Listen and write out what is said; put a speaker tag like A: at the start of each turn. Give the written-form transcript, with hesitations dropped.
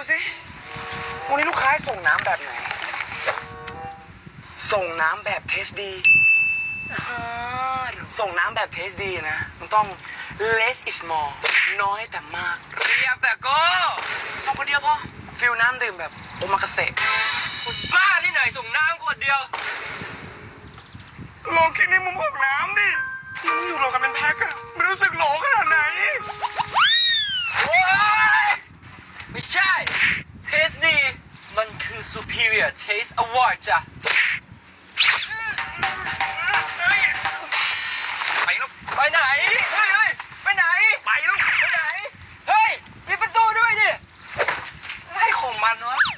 A: สิวันนี้ลูกค้าส่งน้ำแบบไหนส่งน้ำแบบเทสดีส่งน้ำแบบเทสดีนะมันต้อง less is more น้อยแต่มากเรียบแต่ก็ส่งคนเดียวพอฟิลน้ำดื่มแบบโอมากาเสะคุณบ้าที่ไหนส่งน้ำขวดเดียวลองคิดในมุมของน้ำดิมันอยู่รวมกันเป็นแพ็คอะไม่รู้สึกโหลขนาดไหนโอ้ยไม่ใช่เทสดีมันคือ superior taste award จ้ะไปลูกไปไหนเฮ้ยไปไหนไปลูกไปไหนเฮ้ยมีประตูด้วยดิให้ของมันวะ